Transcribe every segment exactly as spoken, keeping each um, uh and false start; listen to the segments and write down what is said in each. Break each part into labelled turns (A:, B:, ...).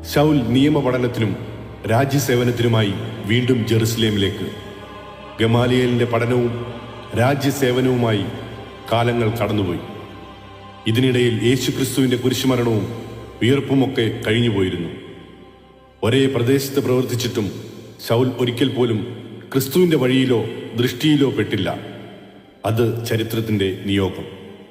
A: ശൗൽ നിയമപഠനത്തിനും രാജ്യസേവനത്തിനുമായി വീണ്ടും ജെറുസലേമിലേക്ക്. ഗമാലിയേലിന്റെ പഠനവും രാജ്യസേവനവുമായി കാലങ്ങൾ കടന്നുപോയി. ഇതിനിടയിൽ യേശുക്രിസ്തുവിന്റെ കുരിശുമരണവും ഉയർപ്പുമൊക്കെ കഴിഞ്ഞുപോയിരുന്നു. ഒരേ പ്രദേശത്ത് പ്രവർത്തിച്ചിട്ടും ശൗൽ ഒരിക്കൽ പോലും ക്രിസ്തുവിന്റെ വഴിയിലോ ദൃഷ്ടിയിലോ പെട്ടില്ല. അത് ചരിത്രത്തിന്റെ നിയോഗം.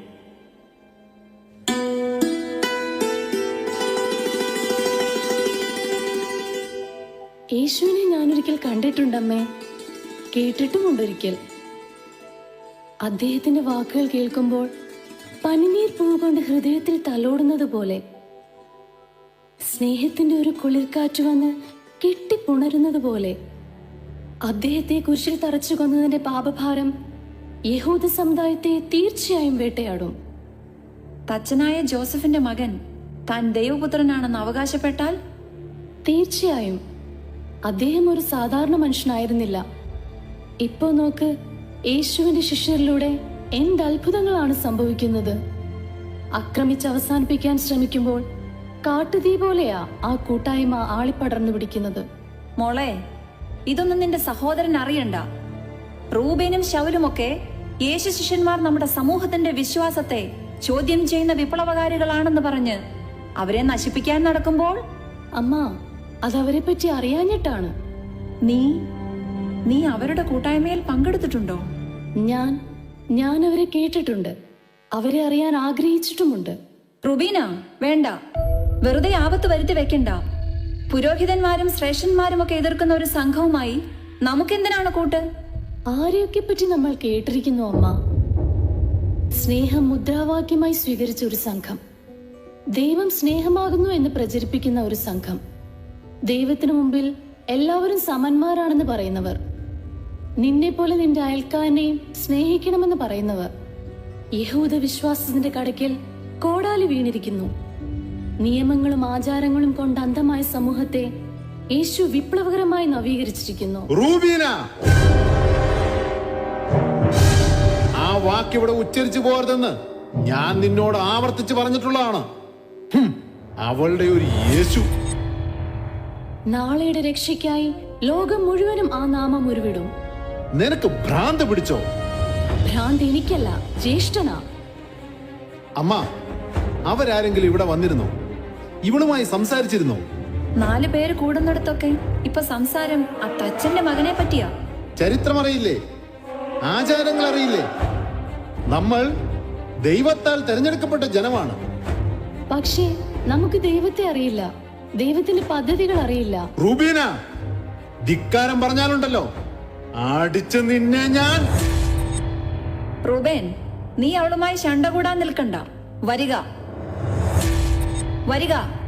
B: യേശുവിനെ ഞാനൊരിക്കൽ കണ്ടിട്ടുണ്ടമ്മേ, കേട്ടിട്ടുമുണ്ടൊരിക്കൽ. അദ്ദേഹത്തിന്റെ വാക്കുകൾ കേൾക്കുമ്പോൾ പനിനീർ പൂവ് കൊണ്ട് ഹൃദയത്തിൽ തലോടുന്നത് പോലെ സ്നേഹത്തിന്റെ ഒരു കുളിർക്കാറ്റ് വന്ന് കെട്ടിപ്പുണരുന്നത് പോലെ അദ്ദേഹത്തെ കുരിശിൽ തറച്ചു കൊന്നതിന്റെ പാപഭാരം യഹൂദ സമുദായത്തെ തീർച്ചയായും വേട്ടയാടും.
C: തച്ചനായ ജോസഫിന്റെ മകൻ താൻ ദൈവപുത്രനാണെന്ന് അവകാശപ്പെട്ടാൽ
B: തീർച്ചയായും അദ്ദേഹം ഒരു സാധാരണ മനുഷ്യനായിരുന്നില്ല. ഇപ്പോ നോക്ക്, യേശുവിന്റെ ശിഷ്യരിലൂടെ എന്ത് അത്ഭുതങ്ങളാണ് സംഭവിക്കുന്നത്. ആക്രമിച്ച് അവസാനിപ്പിക്കാൻ ശ്രമിക്കുമ്പോൾ കാട്ടുതീ പോലെയാ ആ കൂട്ടായ്മ ആളിപ്പടർന്നു പിടിക്കുന്നത്.
C: മോളെ, ഇതൊന്നും നിന്റെ സഹോദരൻ അറിയണ്ട. റൂബേനും ശൗലുമൊക്കെ യേശു ശിഷ്യന്മാർ നമ്മുടെ സമൂഹത്തിന്റെ വിശ്വാസത്തെ ചോദ്യം ചെയ്യുന്ന വിപ്ലവകാരികളാണെന്ന് പറഞ്ഞ് അവരെ നശിപ്പിക്കാൻ നടക്കുമ്പോൾ
B: അമ്മ, അതവരെ പറ്റി അറിയാഞ്ഞിട്ടാണ്.
C: നീ നീ അവരുടെ കൂട്ടായ്മയിൽ പങ്കെടുത്തിട്ടുണ്ടോ?
B: ഞാൻ ഞാൻ അവരെ കേട്ടിട്ടുണ്ട്, അവരെ അറിയാൻ ആഗ്രഹിച്ചിട്ടുമുണ്ട്.
C: റുബീന, വേണ്ട, വെറുതെ ആപത്ത് വരുത്തി വെക്കണ്ട. പുരോഹിതന്മാരും ശ്രേഷ്ഠന്മാരും ഒക്കെ എതിർക്കുന്ന ഒരു സംഘവുമായി നമുക്കെന്തിനാണ് കൂട്ട്?
B: ആരെയൊക്കെ പറ്റി നമ്മൾ കേട്ടിരിക്കുന്നു അമ്മ. സ്നേഹം മുദ്രാവാക്യമായി സ്വീകരിച്ച ഒരു സംഘം, ദൈവം സ്നേഹമാകുന്നു എന്ന് പ്രചരിപ്പിക്കുന്ന ഒരു സംഘം, ദൈവത്തിനു മുമ്പിൽ എല്ലാവരും സമന്മാരാണെന്ന് പറയുന്നവർ, നിന്നെ പോലെ നിന്റെ അയൽക്കാരനെയും സ്നേഹിക്കണമെന്ന് പറയുന്നവർ. യഹൂദ വിശ്വാസത്തിന്റെ കടക്കിൽ കോടാലി വീണിരിക്കുന്നു. നിയമങ്ങളും ആചാരങ്ങളും കൊണ്ട് അന്ധമായ സമൂഹത്തെ യേശു വിപ്ലവകരമായി നവീകരിച്ചിരിക്കുന്നു.
D: റൂബീന, ആ വാക്കിവിടെ ഉച്ചരിച്ചു പോകരുതെന്ന് ഞാൻ നിന്നോട് ആവർത്തിച്ച് പറഞ്ഞിട്ടുള്ളതാണ്. അവളുടെ ഒരു യേശു
B: നാളെയുടെ രക്ഷയ്ക്കായി ലോകം മുഴുവനും ആ നാമം ഉരുവിടും.
D: നിനക്ക് ഭ്രാന്ത് പിടിച്ചോ?
B: ഭ്രാന്ത് എനിക്കല്ല, ജ്യേഷ്ഠനാ.
D: അമ്മ, അവരാരെങ്കിലും ഇവിടെ വന്നിരുന്നോ? ഇവളുമായി സംസാരിച്ചിരുന്നോ?
C: നാലു പേര് കൂടുന്നിടത്തൊക്കെ ഇപ്പൊ സംസാരം ആ തച്ചന്റെ മകനെ പറ്റിയാ.
D: ചരിത്രം അറിയില്ലേ? ആചാരങ്ങൾ അറിയില്ലേ? നമ്മൾ ദൈവത്താൽ തെരഞ്ഞെടുക്കപ്പെട്ട ജനമാണ്.
B: പക്ഷേ നമുക്ക് ദൈവത്തെ അറിയില്ല, ദൈവത്തിന്റെ പദ്ധതികൾ അറിയില്ല.
D: റൂബീന, ധിക്കാരം പറഞ്ഞാലുണ്ടല്ലോ അടിച്ച് നിന്നെ ഞാൻ.
C: റൂബേൻ, നീ അവളുമായി ശണ്ട കൂടാൻ നിൽക്കണ്ട. വരിക വരിക